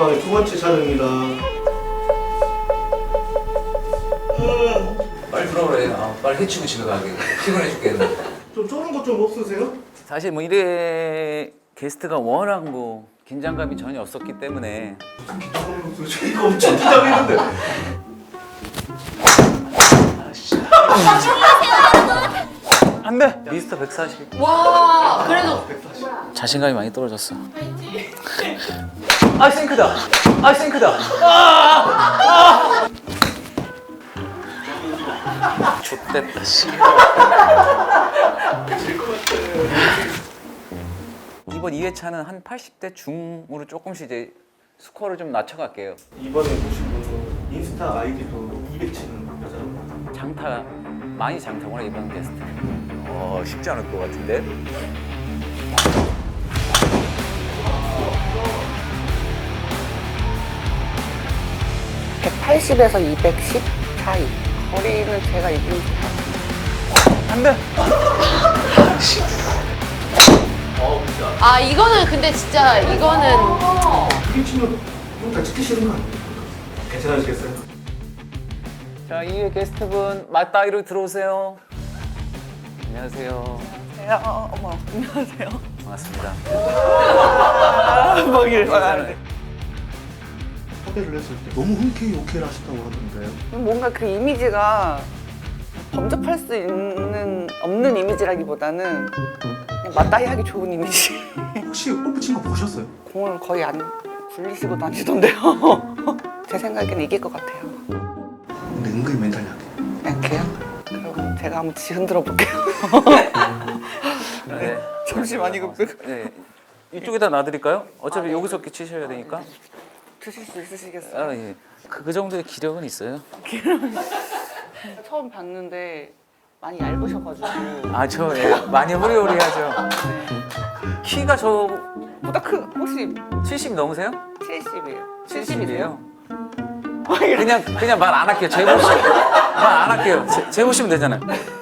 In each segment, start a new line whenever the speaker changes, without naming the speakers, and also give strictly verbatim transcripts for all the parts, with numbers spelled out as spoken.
상대방의 두 번째 촬영입니다.
빨리 들어오래. 아, 빨리 해치고 집에 가게. 피곤해 죽겠네.
좀 쫄은 거 좀 없으세요?
사실 뭐 이래 게스트가 워낙 뭐 긴장감이 전혀 없었기 때문에.
긴장감이 없어요. 이거 엄청 긴장했는데.
안 돼! 미스터 백사십.
와, 그래도
자신감이 많이 떨어졌어. 아, 싱크다! 아, 싱크다! 아! 아! 좆됐다, 씨. 이번 이 회차는 한 팔십 대 중으로 조금씩 이제 스코어를 좀 낮춰갈게요.
이번에 보신 분은 인스타 아이디도 이백 치는 여자입니다.
장타, 많이 장타구나, 이번 게스트. 어, 쉽지 않을 것 같은데?
백팔십에서 이백십 사이. 거리는 제가 이기는 것 같아요.
안 돼!
아 이거는 근데 진짜 이거는
이백 치면 좀다 찍기 싫은 거 아니에요? 괜찮으시겠어요?
자, 이 회 게스트분 맞다이로 들어오세요. 안녕하세요.
안녕하세요. 어머, 안녕하세요.
반갑습니다.
뭐길
섭외를 했을 때 너무 흔쾌히 오케이를 하셨다고 하던데요.
뭔가 그 이미지가 범접할 수 있는 없는 이미지라기보다는 그냥 맞다이 하기 좋은 이미지.
혹시 골프 친 거 보셨어요?
공을 거의 안 굴리시고 다니던데요. 제 생각에는 이길 것 같아요.
근데 은근히 멘탈이 약해.
약해요? 그럼 제가 한번 지 흔들어 볼게요.
네.
잠시만 이거
네. 이쪽에다 놔드릴까요? 어차피 여기서 이렇게 치셔야 되니까.
드실 수 있으시겠어요?
아, 예. 그, 그 정도의 기력은 있어요.
처음 봤는데 많이 얇으셔가지고
아, 저 예. 많이 호리호리하죠. 키가 저
보다 크 혹시
칠십 넘으세요?
칠십이에요.
칠십이에요? 그냥 그냥 말 안 할게요. 재보시 말 안 할게요. 재, 재보시면 되잖아요.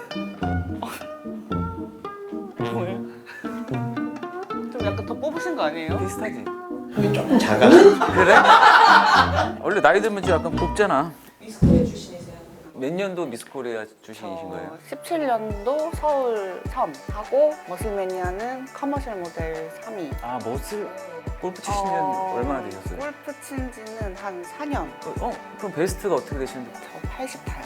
뭐예요? 좀 약간 더 뽑으신 거 아니에요?
비슷하지?
형이 조금 작아.
그래? 원래 나이 들면 좀 약간 곱잖아.
미스코리아 출신이세요?
몇 년도 미스코리아 출신이신
어,
거예요?
십칠 년도 서울 섬 하고 머슬매니아는 커머셜 모델 삼 위.
아, 머슬 골프 치신 지
어,
얼마나 되셨어요?
골프 친 지는 한 사 년.
어? 그럼 베스트가 어떻게 되시는데?
저 팔십 타요.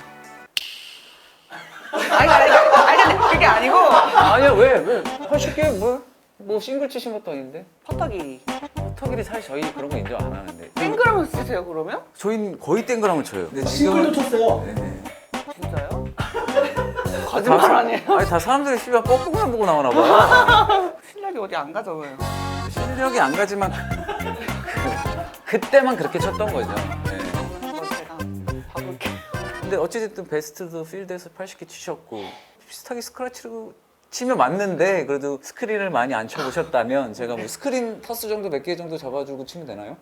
아니, 아니, 아니, 아니, 그게 아니고
아니야, 왜? 왜? 팔십 개 뭐? 뭐 싱글 치신 것도 아닌데?
퍼터기.
터길이 사실 저희 그런 거 인정 안 하는데.
땡그라면서 치세요 그러면?
저희는 거의 땡그랑을 쳐요. 근데
싱글도
지금은-
쳤어요.
네.
진짜요? 거짓말 아니에요?
아니 다 사람들이 씨발 뻐꾸만 보고 나오나 봐요.
실력이 어디 안 가잖아요.
실력이 안 가지만 그, 그때만 그렇게 쳤던 거죠. 네.
이거 제가 봐볼게요.
근데 어찌됐든 베스트도 필드에서 팔십 개 치셨고 비슷하게 스크래치로 치면 맞는데 그래도 스크린을 많이 안 쳐보셨다면 제가 뭐 스크린 터스 정도 몇 개 정도 잡아주고 치면 되나요?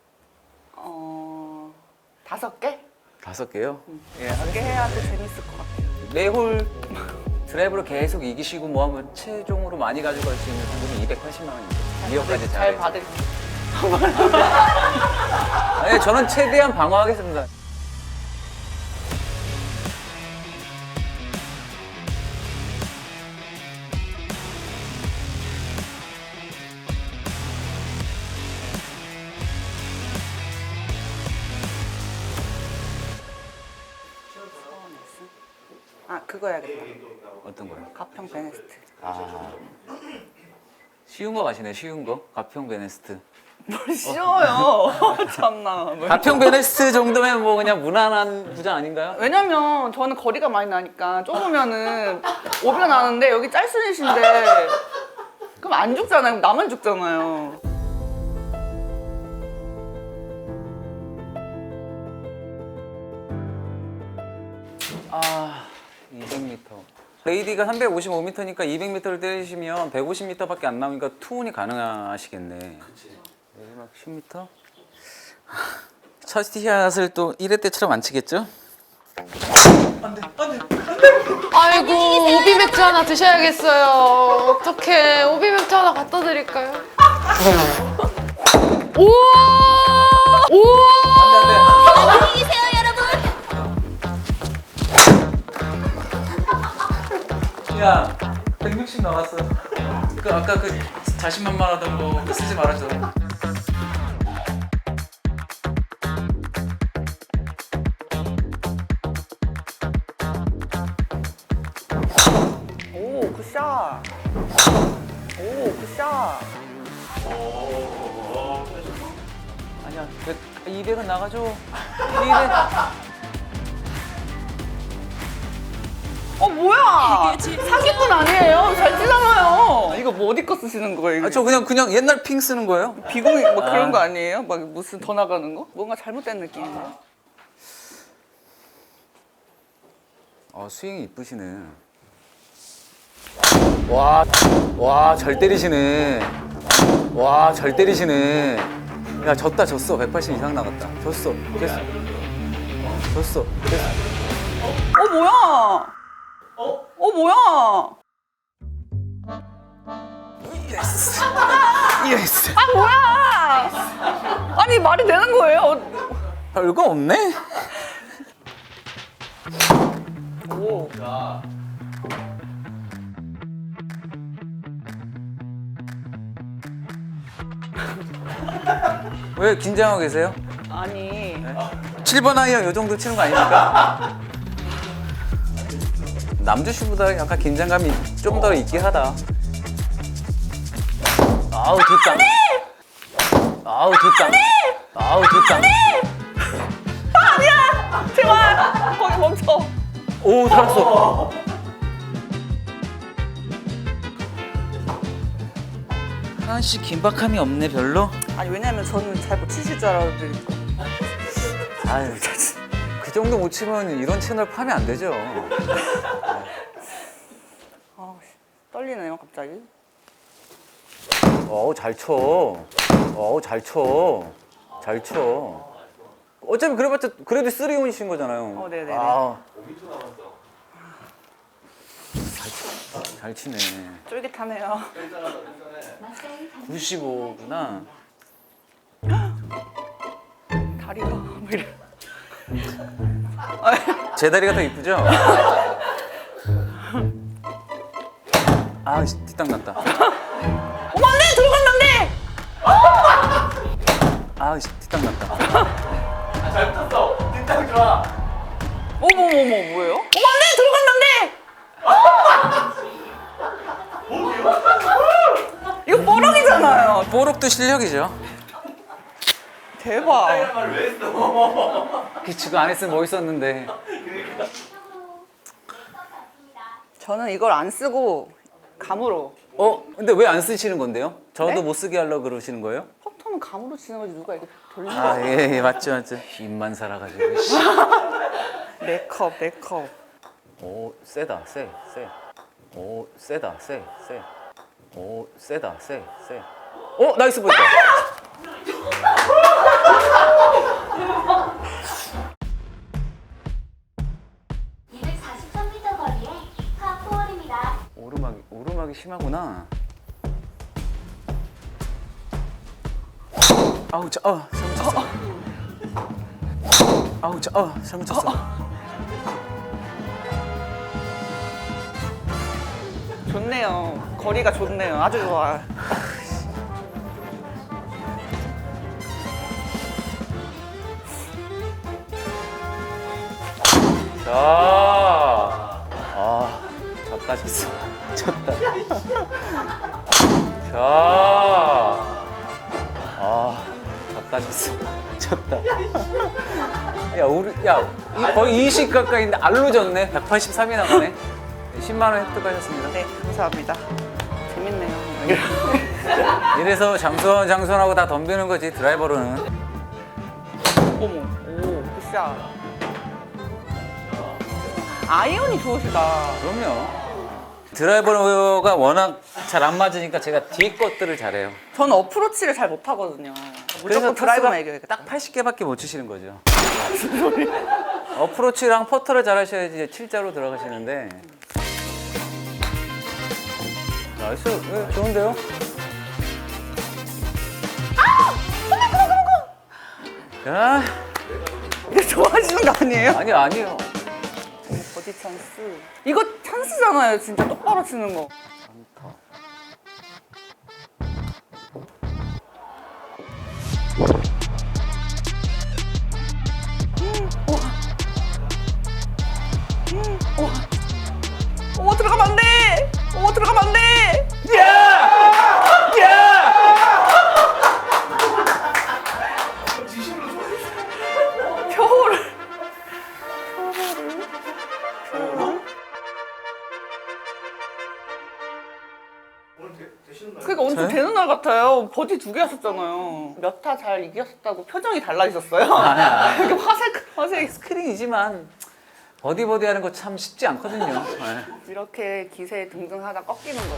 어... 다섯 개?
다섯 개요? 예,
다섯 개 해야 또 재밌을 것 같아요.
매홀 드라이브로 계속 이기시고 뭐 하면 최종으로 많이 가져갈 수 있는 상금이 이백팔십만 원입니다. 이 억까지
잘
잘.
받을게요.
아니, 저는 최대한 방어하겠습니다.
아 그거 해야겠다.
어떤 거요?
가평 베네스트.
아, 쉬운 거 가시네. 쉬운 거. 가평 베네스트.
뭘 쉬워요. 참나. 뭘.
가평 베네스트 정도면 뭐 그냥 무난한 부자 아닌가요?
왜냐면 저는 거리가 많이 나니까 좁으면은 오비가 나는데 여기 짤순이신데 그럼 안 죽잖아요. 나만 죽잖아요.
아, 이백 미터. 레이디가 삼백오십오 미터니까 이백 미터를 때리시면 백오십 미터밖에 안 나오니까 투혼이 가능하시겠네. 그치. 내리막 십 미터? 첫 티샷을 또 일 회 때처럼 안 치겠죠?
아이고 오비 맥주 하나 드셔야겠어요. 어떡해 오비 맥주 하나 갖다 드릴까요? 우와 오!
안돼
안녕히 계세요, 여러분.
안돼. 야 백육십 나왔어. 그 아까 그 자신만만하던 거 그거 쓰지 말아줘.
오, 굿샷. 오, 굿샷.
아니야 이백은 나가줘. 이백.
어, 뭐야? 사기꾼 아니에요? 잘 치잖아요. 이거 뭐 어디 거 쓰시는 거예요? 이거?
아, 저 그냥 그냥 옛날 핑 쓰는 거예요.
비공이 뭐 그런
아.
거 아니에요? 막 무슨 더 나가는 거? 뭔가 잘못된 느낌이네요.
어 스윙이 이쁘시네. 와, 와, 잘 때리시네. 와, 잘 때리시네. 야, 졌다, 졌어. 백팔십 이상 나갔다. 졌어. 됐어. 졌어. 됐어.
어, 뭐야? 어? 어, 뭐야?
예스. 예스.
아, 뭐야? 아니, 말이 되는 거예요? 어,
별거 없네?
오.
왜 긴장하고 계세요?
아니.
칠 번 아이언 요 정도 치는 거 아닙니까? 남주 씨보다 약간 긴장감이 좀 더 있긴 하다. 아우, 뒷땅. 아우, 뒷땅. 아우, 뒷땅.
아니야! 제발! 거기 멈춰.
오, 살았어. 하나 씨 긴박함이 없네, 별로?
아니, 왜냐면 저는 잘 못 치실 줄 알았는데.
아유, 그 정도 못 치면 이런 채널 파면 안 되죠.
아, 떨리네요, 갑자기.
어우, 잘 쳐. 어우, 잘 쳐. 잘 쳐. 어차피 그래봤자 그래도 쓰리온이신 거잖아요.
어, 네네네.
아. 잘, 치, 잘 치네.
쫄깃하네요.
구십오구나.
다리가 왜 이래.
제 다리가 더 이쁘죠? 아, 씨, 뒷땅 났다.
어머, 안 돼! 들어간다는데!
아, 씨, 뒷땅 났다.
잘 붙었어. 뒷땅 좋아.
어머, 어머, 어머, 뭐예요? 어머, 안 돼! 들어간다는데! 이거 뽀록이잖아요.
뽀록도 실력이죠.
대박.
말을 왜 했어?
기치고 안 했으면 멋있었는데.
저는 이걸 안 쓰고 감으로.
어? 근데 왜 안 쓰시는 건데요? 저도
네?
못 쓰게 하려고 그러시는 거예요?
퍼터는 감으로 치는 거지 누가 이렇게 돌리는
아, 예, 예, 맞죠, 맞죠. 입만 살아가지고. 씨.
네 컵, 네 컵.
오, 세다, 세, 세. 오, 세다, 세, 세. 오, 세다, 세, 세. 오, 나이스 보였다.
이백사십삼 미터 거리에 파포홀입니다.
오르막이, 오르막이 심하구나. 아우, 자, 어, 잘못 쳤어. 아우, 자, 어, 잘못 쳤어.
좋네요. 거리가 좋네요. 아주 좋아.
자, 아, 졌다, 졌어. 졌다. 자, 아, 졌다, 졌어. 졌다. 야, 우리, 야, 이- 거의 이십 가까이인데 알로 졌네. 백팔십삼이 나가네. 십만 원 획득하셨습니다.
네, 감사합니다. 재밌네요.
이래서 장수원, 장수원하고 다 덤비는 거지, 드라이버로는.
어머, 오, 굿샷. 아이언이 좋으시다.
그럼요. 드라이버가 워낙 잘 안 맞으니까 제가 뒤 것들을 잘해요.
저는 어프로치를 잘 못하거든요. 무조건 드라이브만 이겨야겠다.
딱 팔십 개밖에 못 치시는 거죠. 어프로치랑 퍼터를 잘하셔야지 이제 칠자로 들어가시는데. 나이스, 네, 좋은데요? 야,
이거 좋아하시는 거 아니에요?
아니요, 아니요.
버디 찬스. 이거 찬스잖아요, 진짜 똑바로 치는 거. 오, 들어가면 안 돼! 오, 들어가면 안 돼! 표를.
오늘 되, 되시는 거예요?
그러니까 오늘 좀 되는 날 같아요. 버디 두 개 하셨잖아요. 몇 타 잘 이겼다고 표정이 달라지셨어요. 이렇게 화색, 화색.
스크린이지만 버디 버디 하는 거 참 쉽지 않거든요. 네.
이렇게 기세에 등등하다 꺾이는 거죠.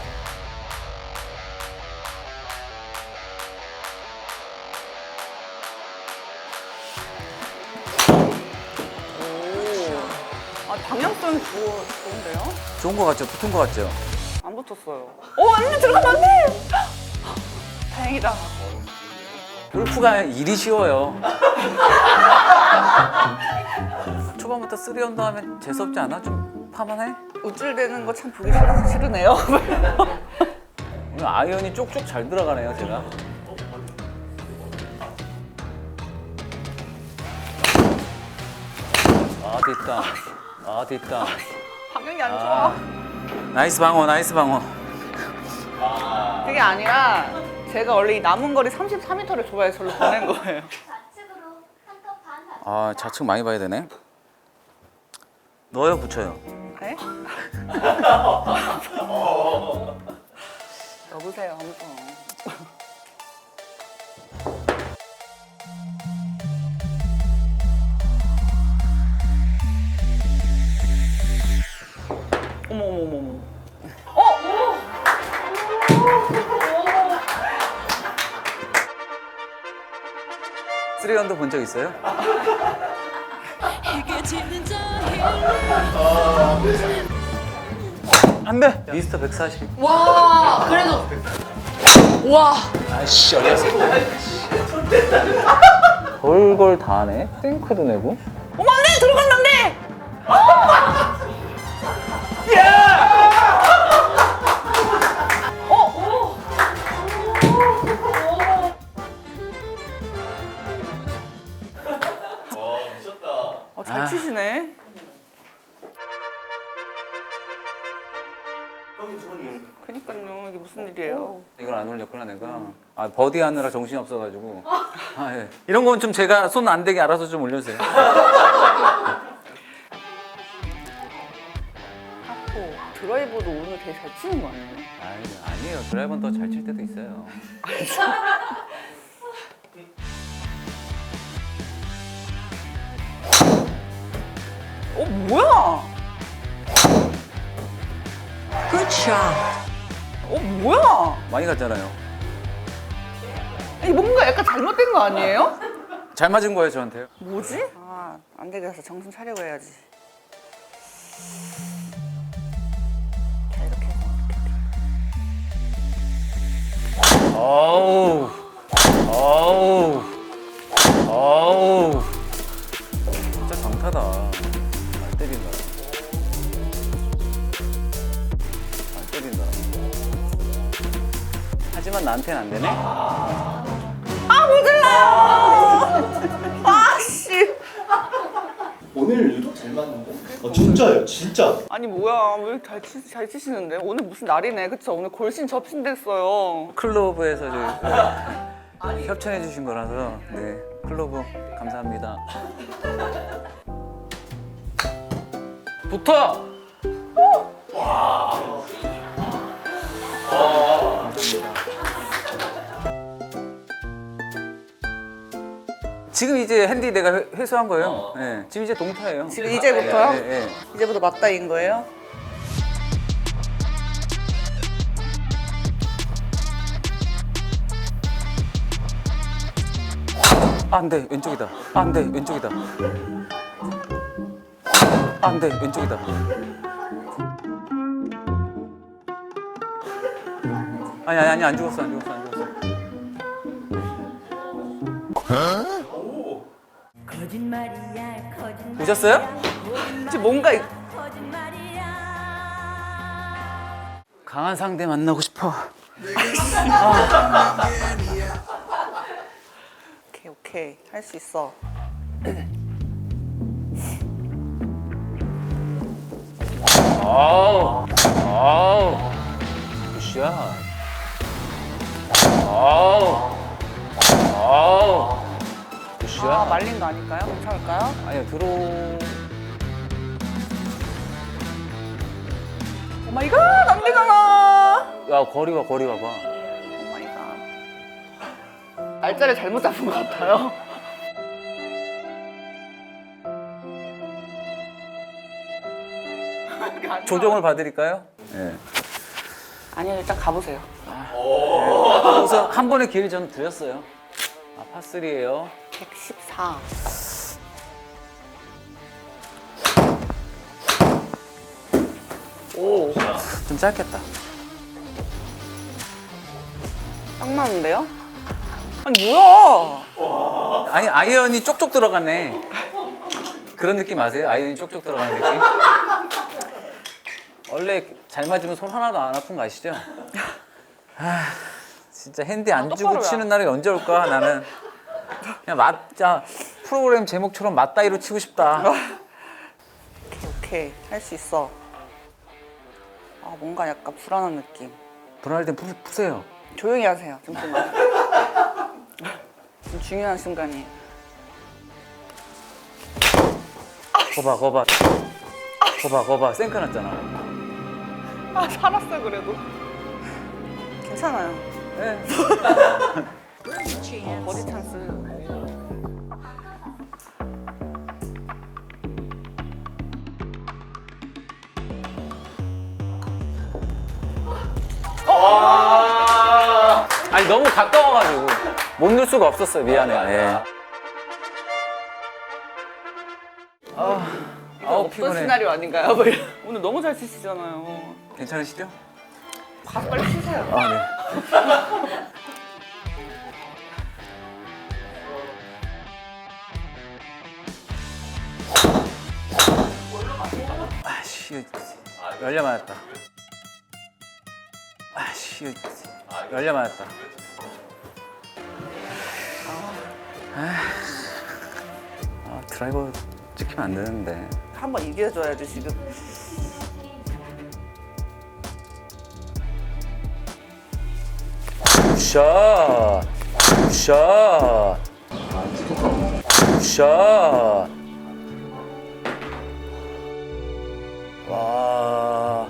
오. 아, 방향성이 좋, 좋은데요?
좋은 거 같죠? 붙은 거 같죠?
안 붙었어요. 오, 완전 들어가면 안 돼! 다행이다.
골프가 일이 쉬워요. 초반부터 쓰리 언더 하면 재수없지 않아? 좀 파만해?
우쭐대는 거 참 보기 싫- 싫으네요.
오늘 아이언이 쪽쪽 잘 들어가네요, 제가. 아, 됐다. 아, 됐다.
방향이 안 좋아.
아, 나이스 방어, 나이스 방어.
그게 아니라 제가 원래 이 남은 거리 삼십사 미터를 좋아해서 저를 보낸 거예요.
좌측으로 한컵 반 받습니다.
아, 좌측 많이 봐야 되네. 넣어요, 붙여요?
네? 여보세요, 한번. 어머 어머 어머 어머. 어?
쓰리 언더 본 적 있어요? 안 돼! 미스터 백사십.
와, 그래도. 와.
아이씨, 어렸어. 걸걸 다 하네. 탱크도 내고.
어머 안 돼! 들어가면 안 돼! 어, 잘
아.
치시네.
형님 저번에
그니까요, 이게 무슨 일이에요?
이걸 안 올렸구나 내가. 아 버디 하느라 정신이 없어가지고. 아, 예. 이런 건 좀 제가 손 안 대게 알아서 좀 올려주세요.
하고 드라이버도 오늘 되게 잘 치는 거 아니에요?
아니, 아니에요. 드라이버는 더 잘 칠 때도 있어요.
어 뭐야? 어 뭐야?
많이 갔잖아요.
아니 뭔가 약간 잘못된 거 아니에요?
잘 맞은 거예요 저한테요.
뭐지? 아, 안 되겠어. 정신 차리고 해야지. 자, 이렇게 해서 이렇게.
어우, 어우, 어우. 진짜 강타다. 잘 때린다. 잘 때린다. 하지만 나한테는 안 되네.
아, 못 들라요! 아, 씨.
오늘 유독 잘 맞는데? 어 진짜요 진짜.
아니, 뭐야. 왜 이렇게 잘, 치, 잘 치시는데? 오늘 무슨 날이네. 그쵸? 오늘 골신 접신 됐어요.
클로브에서 저희 협찬해 주신 거라서 네 클로브 감사합니다. 붙어. 지금 이제 핸디 내가 회- 회수한 거예요. 네, 지금 이제 동타예요.
지금 이제부터요?
네, 네, 네.
이제부터 맞다인 거예요?
아, 안 돼, 왼쪽이다. 아, 안 돼, 왼쪽이다. 아, 안 돼, 왼쪽이다. 아니, 아니, 아니, 안 죽었어, 안 죽었어, 안 죽었어. 보셨어요?
지금 뭔가 이-
강한 상대 만나고 싶어.
오케이 오케이 할 수 있어.
아우, 아우, 굿샷. 아우, 아우, 굿샷.
아 말린 거 아닐까요? 괜찮을까요?
아니야, 들어.
오 마이 갓, 안 되잖아.
야, 거리 봐, 거리 봐봐.
오 마이 갓. 날짜를 잘못 잡은 것 같아요.
조정을 봐드릴까요? 네.
아니요, 일단 가보세요.
우선 한 번의 기회를 저는 드렸어요. 아, 파쓰리예요.
백십사. 오,
좀 짧겠다.
딱 맞는데요? 아니 뭐야?
아니, 아이언이 쪽쪽 들어가네. 그런 느낌 아세요? 아이언이 쪽쪽 들어가는 느낌? 원래 잘 맞으면 손 하나도 안 아픈 거 아시죠? 아, 진짜 핸디 안 주고
똑바로
치는 날이 언제 올까 나는. 그냥 맞자 프로그램 제목처럼 맞다이로 치고 싶다.
오케이 오케이 할 수 있어. 아 뭔가 약간 불안한 느낌.
불안할 땐 푸, 푸세요.
조용히 하세요. 잠시만. 지금 중요한 순간이에요.
거봐, 거봐. 거봐, 거봐. 생크 났잖아.
아 살았어 그래도. 괜찮아요.
네.
버디 찬스.
아니, 너무 가까워가지고 못 넣을 수가 없었어요. 미안해요. 예. 아, 아우,
어떤
피곤해.
시나리오 아닌가요? 오늘 너무 잘 치시잖아요.
괜찮으시죠?
가서 빨리 치세요.
아, 네. 아씨, 열려 맞았다. 아씨, 열려 맞았다. 아, 드라이버 찍히면 안 되는데.
한번 이겨줘야지 지금.
샷! 샷! 샷! 와.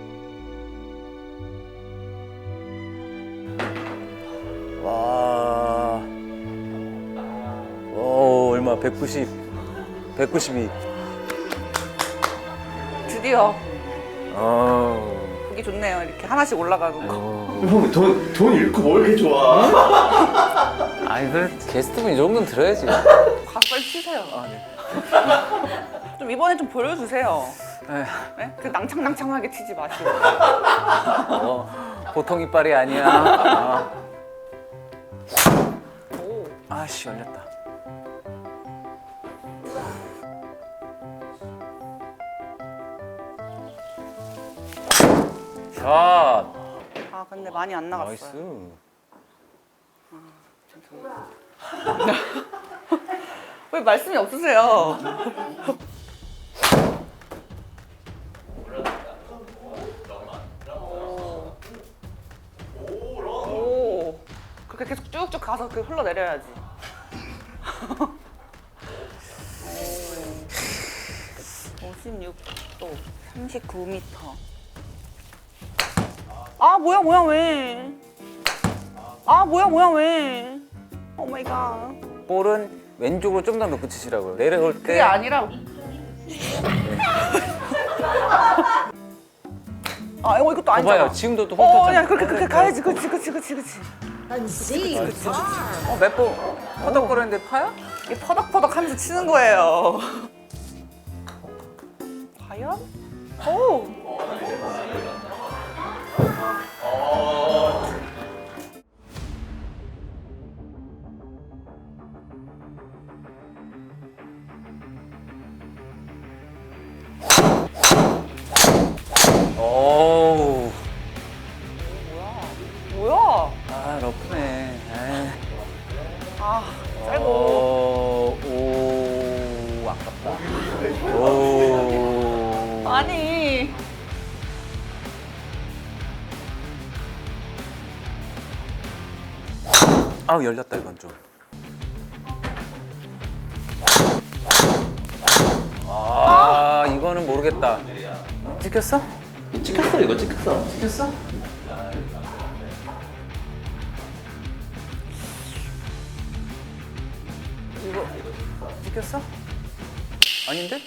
와. 오, 얼마? 백구십. 백구십이.
드디어
어.
보기 좋네요. 이렇게 하나씩 올라가는 거.
형, 돈, 돈 잃고 뭘 이렇게 좋아?
아니, 그래. 게스트분 이 정도는 들어야지.
가서 빨리 치세요.
아, 네.
좀 이번에 좀 보여주세요.
에휴,
네? 그 낭창낭창하게 치지 마시고.
어, 보통 이빨이 아니야. 아.
오.
아씨, 열렸다. 샷!
아 근데 많이 안 나갔어요.
나이스.
왜 말씀이 없으세요? 오. 그렇게 계속 쭉쭉 가서 그 흘러내려야지. 오십육 도, 삼십구 미터. 아 뭐야 뭐야 왜? 아 뭐야 뭐야 왜? 오 마이 갓.
볼은 왼쪽으로 좀 더 놓고 치시라고요. 내려올 때.
그게 아니라. 아 이거 이것도 아니잖아.
봐봐요. 지금도 또
어,
훑었잖아.
야 그렇게 그렇게 가야지. 그렇지 그렇지 그렇지 그렇지.
어, 몇 번 허덕거렸는데 파야?
이게 퍼덕퍼덕하면서 치는 거예요. 과연? 오.
러프네. 에이.
아, 짧고.
오, 오, 아깝다. 오.
아니.
아우, 열렸다, 이건 좀. 아, 이거는 모르겠다. 찍혔어?
찍혔어 이거 찍혔어.
찍혔어? 이거 찍혔어? 아닌데?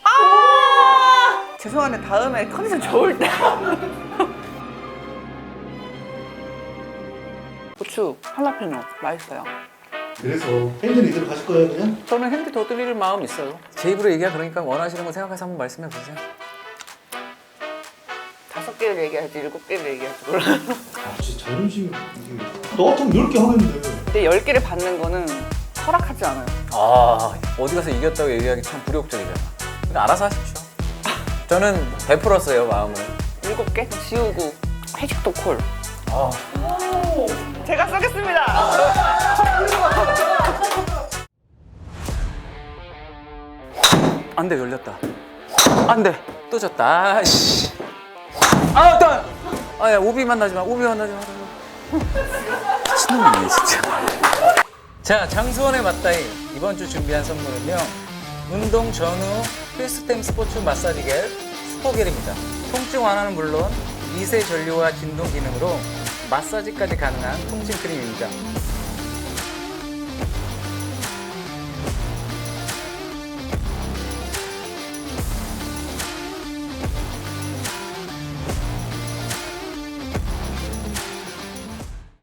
죄송한데 다음에 컨디션 좋을 때. 고추 할라피뇨 맛있어요.
그래서 핸들 이대로 가실 거예요 그냥?
저는 핸디 더 드릴 마음 있어요. 제 입으로 얘기하 그러니까 원하시는 거 생각해서 한번 말씀해 보세요.
다섯 개를 얘기하지 일곱 개를 얘기하지 몰라.
아 진짜 자존심 이게 너 같으면 열 개 하겠는데.
근데 열 개를 받는 거는 허락하지 않아요.
아, 어디 가서 이겼다고 얘기하기 참 굴욕적이잖아. 그러니까 알아서 하십시오. 저는 베풀었어요, 마음을.
일곱 개 지우고 회식도 콜.
아.
제가 쏘겠습니다.
안 돼, 열렸다. 안 돼, 또 졌다. 아씨. 아, 또! 아, 야, 오비 만나지 마, 오비 만나지 마. 미친놈이네, 진짜. 자, 장수원의 맞다이. 이번 주 준비한 선물은요. 운동 전후 필수템 스포츠 마사지겔 스포겔입니다. 통증 완화는 물론 미세 전류와 진동 기능으로 마사지까지 가능한 통증 크림입니다.